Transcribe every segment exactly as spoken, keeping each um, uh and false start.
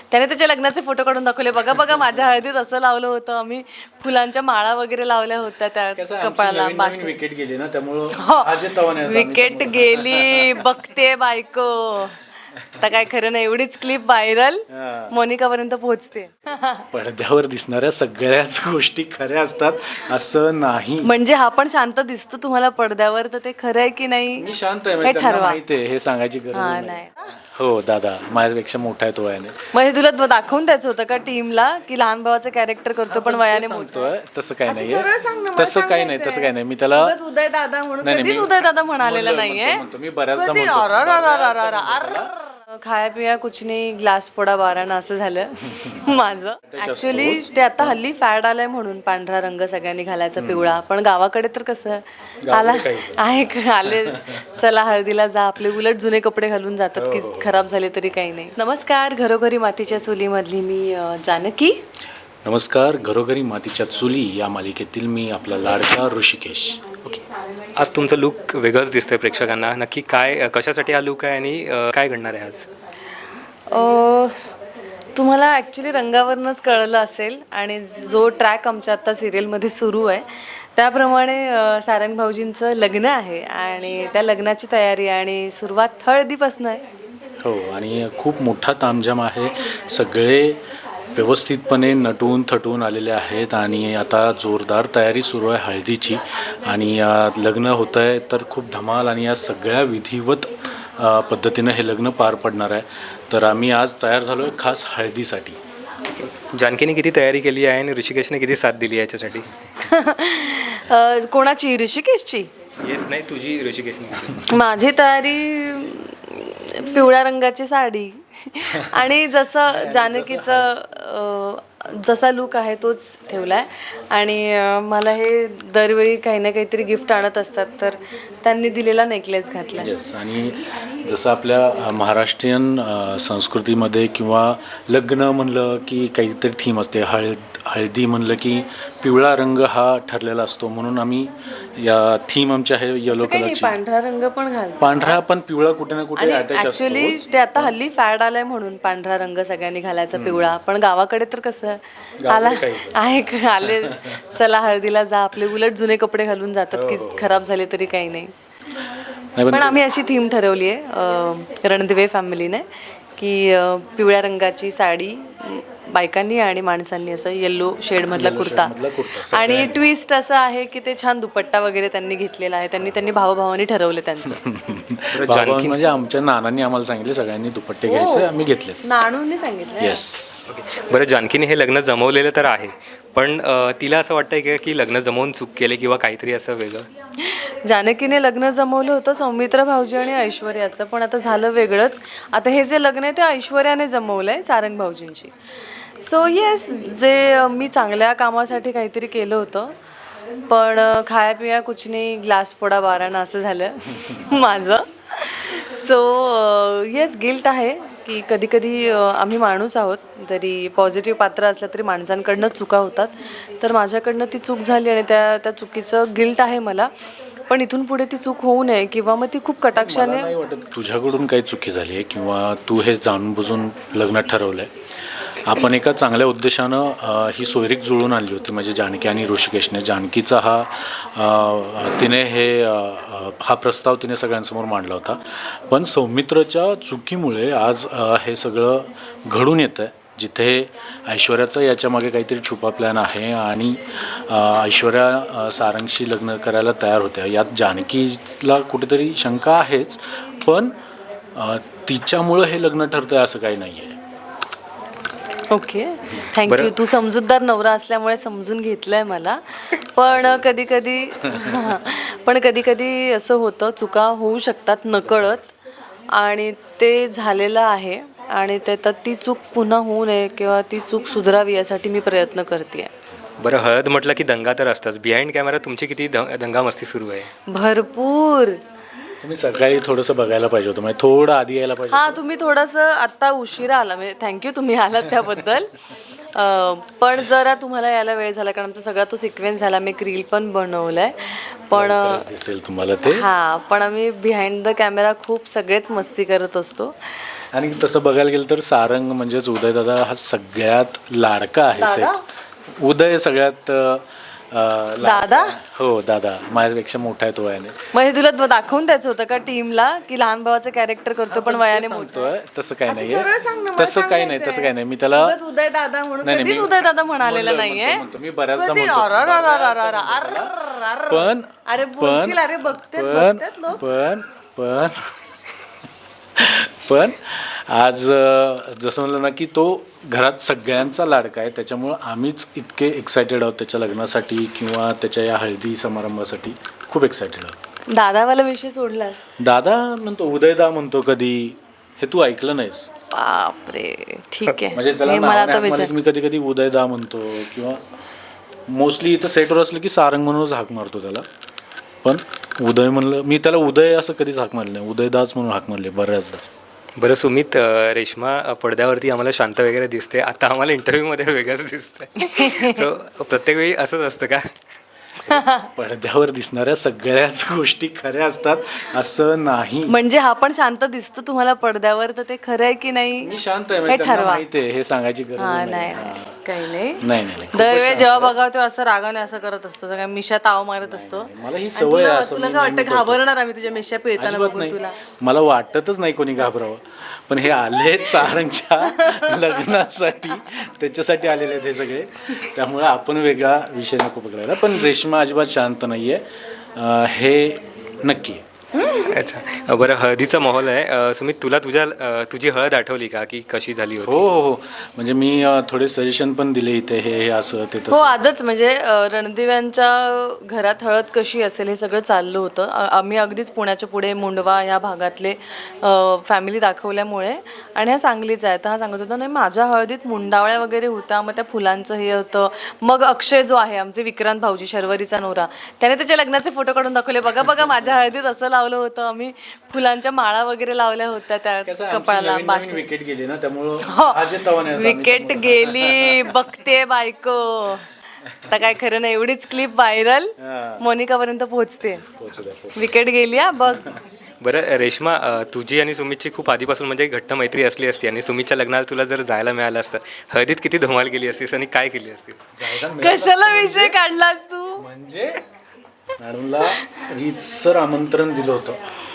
त्याने त्याच्या लग्नाचे फोटो काढून दाखवले, बघा बघा माझ्या हळदीत असं लावलं होतं, आम्ही फुलांच्या माळा वगैरे लावल्या होत्या त्या कपाळाला. विकेट गेली ना त्यामुळे विकेट गेली बघते बायको. आता काय खरं नाही, एवढीच क्लिप व्हायरल मोनिका पर्यंत पोहोचते. पडद्यावर दिसणाऱ्या सगळ्याच गोष्टी खऱ्या असतात असं नाही. म्हणजे हा पण शांत दिसतो तुम्हाला पडद्यावर, तर ते खरं आहे की नाही मी शांत आहे, हे म्हणजे त्यांना ठरवा. माहिती आहे, हे सांगायची गरज हा नाही. नाही हो दादा माझ्यापेक्षा मोठा आहे तो वयाने. म्हणजे तुला द- दाखवून द्यायचं होतं का टीमला की लहान भावाचं कॅरेक्टर करतो पण वयाने मोठं. सांगतोय तसं काही सरळ नाहीये, सांग ना, मला तसं काही नाही, तसं काही नाही. मी त्याला उगाच उदय दादा म्हणून नाही, नाही, कधीच मी- उदय दादा म्हणालेला म्हणतो- नाहीये. म्हणतो- म्हणतो. मी बऱ्याचदा कधी म्हणतो. अर- अर- अर- अर- अर- अर- खाया पिया कुछ नाही, ग्लास फोडा बाराना असं झालं माझं. ऍक्च्युली ते आता हल्ली फॅड आलाय म्हणून पांढरा रंग सगळ्यांनी घालायचा, पिवळा. पण गावाकडे तर कसं आला आहे का, आले चला हळदीला जा, आपले उलट जुने कपडे घालून जातात की खराब झाले तरी काही नाही. नमस्कार, घरोघरी मातीच्या चुलीमधली मी अं, जानकी. नमस्कार, घरोघरी मातीच्या चुली या मालिकेतील मी आपला लाडका ऋषिकेश. ओके, आज तुमचं लुक वेगळंच दिसतंय प्रेक्षकांना. नक्की काय, कशासाठी हा लुक आहे आणि अ, काय घडणार आहे आज? अ, तुम्हाला ॲक्च्युली रंगावरूनच कळलं असेल, आणि जो ट्रॅक आमच्या आत्ता सिरियलमध्ये सुरू आहे त्याप्रमाणे अ, सारंग भाऊजींचं लग्न आहे आणि त्या लग्नाची तयारी आणि सुरुवात हळदीपासून आहे. हो, आणि खूप मोठा तामझाम आहे. सगळे व्यवस्थितपणे नटून थटून आलेले आहेत आणि आता जोरदार तयारी सुरू आहे हळदीची. आणि अ, लग्न होतं आहे तर खूप धमाल आणि या सगळ्या विधिवत अ, पद्धतीनं हे लग्न पार पडणार आहे. तर आम्ही आज तयार झालो आहे खास हळदीसाठी. जानकीने किती तयारी केली आहे आणि ऋषिकेशने किती साथ दिली आहे याच्यासाठी? अ, कोणाची, ऋषिकेशची? येस, नाही तुझी ऋषिकेशने. माझी तयारी पिवळ्या रंगाची साडी आणि जसं जानकीचं अ, जसा लूक आहे तोच ठेवला आहे. आणि अ, मला हे दरवेळी काही ना काहीतरी गिफ्ट आणत असतात, तर त्यांनी दिलेला नेकलेस घातला. येस, आणि जसं आपल्या अ, महाराष्ट्रीयन अ, संस्कृतीमध्ये किंवा लग्न म्हणलं की काहीतरी थीम असते. हळद हळदी म्हणलं की पिवळा रंग हा ठरलेला असतो, म्हणून आम्ही या थीम आमच्या आहे येलो काही नाही, कलरची. पांढरा रंग पण घालतो. पांढरा पण पिवळा कुठे ना कुठे आणि अटॅच असतो. ऍक्च्युली ते आता हल्ली फॅड आलाय म्हणून पांढरा रंग सगळ्यांनी घालायचा, पिवळा. पण गावाकडे तर कसं आला आहे का, आले चला हळदीला जा, आपले उलट जुने कपडे घालून जातात की खराब झाले तरी काही नाही. नाही, पण आम्ही अशी थीम ठरवली आहे रणदिवे फॅमिलीने की अ, पिवळ्या रंगाची साडी म, बायकांनी आणि माणसांनी असं येल्लो शेडमधला कुर्ता. आणि ट्विस्ट असं आहे की ते छान दुपट्टा वगैरे त्यांनी घेतलेला आहे. त्यांनी त्यांनी भावभावानी ठरवले त्यांचं. भावाभावांनी म्हणजे आमच्या नानांनी आम्हाला सांगितले सगळ्यांनी दुपट्टे घ्यायचे, आम्ही घेतले. नाणूंनी सांगितलं. येस. ओके, बरं, जानकीने हे लग्न जमवलेलं तर आहे, पण अ, तिला असं वाटतंय का की लग्न जमवून चूक केले किंवा काहीतरी असं वेगळं? जानकीने लग्न जमवलं होतं सौमित्र भाऊजी आणि ऐश्वर्याचं, पण आता झालं वेगळंच. आता हे जे लग्न आहे ते ऐश्वर्याने जमवलं आहे सारंग भाऊजींची. सो येस, जे मी चांगल्या कामासाठी काहीतरी केलं होतं, पण खाया पिया कुछ नाही, ग्लास फोडा बाराना असं झालं माझं. सो येस, गिल्ट आहे की कधी कधी आम्ही माणूस आहोत, जरी पॉझिटिव्ह पात्र असलं तरी माणसांकडनं चुका होतात. तर माझ्याकडनं ती चूक झाली आणि त्या त्या चुकीचं गिल्ट आहे मला. पण इथून पुढे ती चूक होऊ नये, किंवा मग ती खूप कटाक्षाने. नाही वाटत तुझ्याकडून काही चुकी झाली आहे किंवा तू हे जाणून बुजून लग्न ठरवलं आहे. आपण एका चांगल्या उद्देशानं अ, ही सोयरीक जुळून आणली होती, म्हणजे जानकी आणि ऋषिकेशने. जानकीचा हा अ, तिने हे अ, हा प्रस्ताव तिने सगळ्यांसमोर मांडला होता. पण सौमित्रच्या चुकीमुळे आज अ, हे सगळं घडून येतं आहे, जिथे ऐश्वर्याचा याच्यामागे काहीतरी छुपा प्लॅन आहे आणि अ, ऐश्वर्या अ, सारंगशी लग्न करायला तयार होत्या. यात जानकीला कुठेतरी शंका आहेच, पण अ, तिच्यामुळं हे लग्न ठरतं आहे असं काही नाही आहे. Okay, thank you. तू समजूतदार नवरा असल्यामुळे समजून घेतलंय मला. पण कधी कधी पण कधी कधी असं होतं, चुका होऊ शकतात नकळत, आणि ते झालेलं आहे. आणि ते तर ती चूक पुन्हा होऊ नये किंवा ती चूक सुधारावी यासाठी मी प्रयत्न करते आहे. बरं, हळद म्हटलं की दंगा तर असताच. बिहाइंड कॅमेरा तुमची किती द दंगामस्ती सुरू आहे? भरपूर. तुम्ही सकाळी थोडंसं बघायला पाहिजे होतं, म्हणजे थोडं आधी यायला पाहिजे. हां, तुम्ही थोडंसं आत्ता उशिरा आला, म्हणजे थँक्यू तुम्ही आलात त्याबद्दल. अं, पण जरा तुम्हाला यायला वेळ झाला, कारण आमचा सगळा तो सिक्वेन्स झाला. मी एक रील पण बनवलं आहे. पण दिसेल तुम्हाला ते. हां, पण आम्ही बिहाइंड द कॅमेरा खूप सगळेच मस्ती करत असतो. आणि तसं बघायला गेलं तर सारंग म्हणजेच उदयदादा हा सगळ्यात लाडका आहे दादा? सेट. उदय सगळ्यात अं, लाडका- दादा? हो दादा, माझ्यापेक्षा मोठा आहे तो वयाने. म्हणजे तुला द- दाखवून द्यायचं होतं का टीमला की लहान भावाचं कॅरेक्टर करतो पण वयाने मोठं? सांगतोय तसं काही सरळ नाहीये, सांग ना, मला तसं काही नाही, सांगायचंय. तसं काही नाही. मी त्याला उगाच उदय दादा म्हणून नाही, नाही, कधीच मी- उदय दादा म्हणालेला म्हणलं- नाहीये. म्हणतो- म्हणतो. मी बऱ्याचदा कधी? म्हणतो. अर- अर- अर- अर- अर- अर- अर- अर- पण अरे पण बोलशील, अरे बघतेत पण बघतेत लोक. पण पण पण आज अं, जसं म्हणलं ना की तो घरात सगळ्यांचा लाडका आहे, त्याच्यामुळं आम्हीच इतके एक्सायटेड आहोत त्याच्या लग्नासाठी किंवा त्याच्या या हळदी समारंभासाठी खूप एक्सायटेड आहोत. दादावाला विषय सोडलास? दादा म्हणतो, उदयदा म्हणतो कधी, हे तू ऐकलं नाहीस? बापरे, ठीक म्हणजे आहे. त्याला हे मला नावाने आता हाक मारली विचार की मी कधी कधी उदयदा म्हणतो किंवा मोस्टली इथं सेटवर असलं की सारंग म्हणूनच हाक मारतो त्याला. पण उदय म्हणलं, मी त्याला उदय असं कधीच हाक मारलं नाही, उदयदाच म्हणून हाक मारले बऱ्याचदा. बरं सुमित, अ, रेश्मा अ, पडद्यावरती आम्हाला शांत वगैरे दिसते, आता आम्हाला इंटरव्ह्यूमध्ये वेगळंच दिसतंय. सो प्रत्येक वेळी असंच असतं का? पडद्यावर दिसणाऱ्या सगळ्याच गोष्टी खऱ्या असतात असं नाही. म्हणजे हा पण शांत दिसतो तुम्हाला पडद्यावर, तर ते खरं आहे की नाही मी शांत आहे, हे म्हणजे त्यांना ठरवा. माहिती आहे, हे सांगायची गरज हा नाही. नाही हा. नाही, काही नाही. नाही नाही नाही. दरवेळी जेव्हा बघावं तेव्हा असं रागाने असं करत असतो, सगळ्या मिशा ताव मारत असतो. मला ही आणि सवय तुला आहे, असं तुला मी काय नेहमी वाटतं, करतो. घाबरणार आम्ही तुझ्या मिशा पिळताना अजिबात बघून नाही. तुला? मला वाटतच नाही कोणी घाबरावं, पण हे आलेत सारंगच्या लग्नासाठी, त्याच्यासाठी आलेले आहेत हे सगळे, त्यामुळे आपण वेगळा विषय नको पकडायला. पण रेश्मा अजिबात शांत नाहीये, अं, हे नक्की आहे. अच्छा, बरं हळदीचा माहोल आहे. अ, सुमित, तुला तुझ्या अ, तुझी हळद आठवली का, की कशी झाली हो होती? हो हो, म्हणजे मी अं, थोडे सजेशन पण दिले इथे, हे हे असं ते हो, तसं. आजच म्हणजे अ, रणदिव्यांच्या घरात हळद कशी असेल हे सगळं चाललं होतं. आ- आम्ही अगदीच पुण्याच्या पुढे मुंडवा ह्या भागातले फॅमिली दाखवल्यामुळे, आणि हा सांगलीचा आहे, तर हा सांगत होता नाही माझ्या हळदीत मुंडावळ्या वगैरे होत्या, मग त्या फुलांचं हे होतं. मग अक्षय जो आहे आमचे विक्रांत भाऊजी, शर्वरीचा नवरा, त्याने त्याच्या लग्नाचे फोटो काढून दाखवले, बघा बघा माझ्या हळदीत असं लावलं होतं आम्ही, फुलांच्या माळा वगैरे लावल्या होत्या त्या कसं आमची कपाळाला. नवीन- बाशी- नवीन विकेट गेली ना, त्यामुळं हो, अजय तवाने आता आम्ही विकेट गेली, बघते बायको. आता काय खरं नाही, एवढीच क्लिप व्हायरल मोनिकापर्यंत पोहोचते. पोहोचू द्या, पोहोचू विकेट गेली हा बघ. बरं रेश्मा, अ, तुझी आणि सुमितची खूप आधीपासून म्हणजे घट्ट मैत्री असली असती, आणि सुमितच्या लग्नाला तुला जर जायला मिळालं असतं, हळदीत किती धमाल केली असतीस आणि काय केली असतीस? द्या. कशाला विषय काढलास तू? म्हणजे मॅडमला रीतसर आमंत्रण दिलं होतं,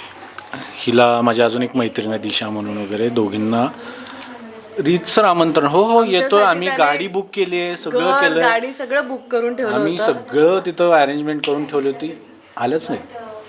हिला माझ्या अजून एक मैत्रीण आहे दिशा म्हणून वगैरे, दोघींना रीतसर आमंत्रण. हो हो येतो आम्ही, त्याने गाडी बुक केली आहे, सगळं घर, केलं, गाडी सगळं बुक करून ठेवलं आम्ही होतं. सगळं तिथं अरेंजमेंट करून ठेवली होती, आलंच नाही.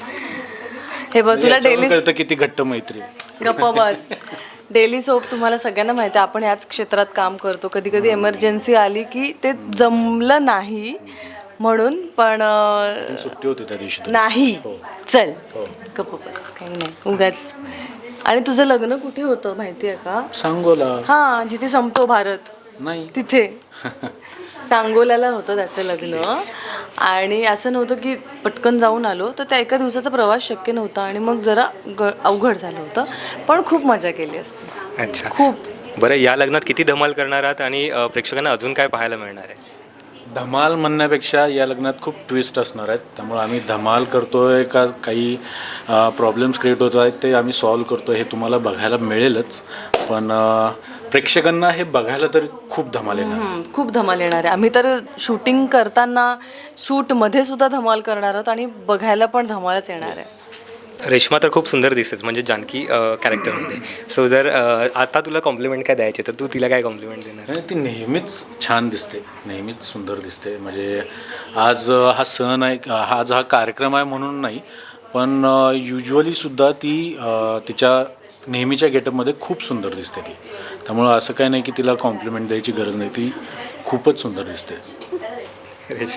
हे बघ तुला याच्यावरून डेली कळतं किती घट्ट मैत्री आहे. गप्पा बस. डेली सोप तुम्हाला सगळ्यांना माहिती आहे, आपण याच क्षेत्रात काम करतो. कधी कधी एमर्जन्सी आली की ते जमलं नाही म्हणून, पण अं, सुट्टी होती त्या दिवशी तर. नाही हो. चल हो. गप्प बस, काही नाही उगाच. आणि तुझं लग्न कुठे होतं माहिती आहे का? सांगोला हा, जिथे संपतो भारत नाही. तिथे सांगोल्याला होतं त्याचं लग्न. आणि असं नव्हतं की पटकन जाऊन आलो, तर त्या एका दिवसाचा प्रवास शक्य नव्हता आणि मग जरा ग अवघड झालं होतं, पण खूप मजा केली असते. अच्छा, खूप. बरं या लग्नात किती धमाल करणार आहात, आणि अ, प्रेक्षकांना अजून काय पाहायला मिळणार आहे? धमाल म्हणण्यापेक्षा या लग्नात खूप ट्विस्ट असणार आहेत, त्यामुळे आम्ही धमाल करतोय का काही प्रॉब्लेम्स क्रिएट होत आहेत ते आम्ही सॉल्व करतोय, हे तुम्हाला बघायला मिळेलच. पण अ, प्रेक्षकांना हे बघायला तर खूप धमाल येणार. हम्म, खूप धमाल येणार आहे. आम्ही तर शूटिंग करताना शूटमध्ये सुद्धा धमाल करणार आहोत आणि बघायला पण धमालच येणार आहे. रेश्मा तर खूप सुंदर दिसतेस म्हणजे जानकी कॅरेक्टरमध्ये. सो जर अ, आता तुला कॉम्प्लिमेंट काय द्यायचे तर तू तिला काय कॉम्प्लिमेंट देणार? आणि ती नेहमीच छान दिसते, नेहमीच सुंदर दिसते. म्हणजे आज अ, हा सण आहे, हा आज हा कार्यक्रम आहे म्हणून नाही, पण युजली ती अ, तिच्या नेहमीच्या गेटअपमध्ये खूप सुंदर दिसते ती. त्यामुळं असं काही नाही की तिला कॉम्प्लिमेंट द्यायची गरज नाही, ती खूपच सुंदर दिसते. रेशा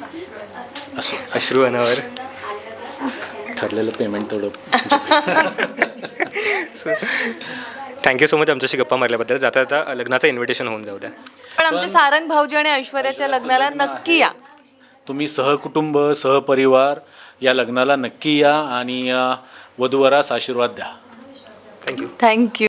असं अश्रू अनावर. ठरलेलं पेमेंट तेवढं. सो थँक्यू सो मच आमच्याशी गप्पा मारल्याबद्दल. जाता जाता लग्नाचं इन्व्हिटेशन होऊन जाऊ द्या. पण आमच्या सारंग भाऊजी आणि ऐश्वर्याच्या लग्नाला नक्की या. तुम्ही सहकुटुंब सहपरिवार या लग्नाला नक्की या आणि अ, वधूवरास आशीर्वाद द्या. थँक्यू. थँक्यू.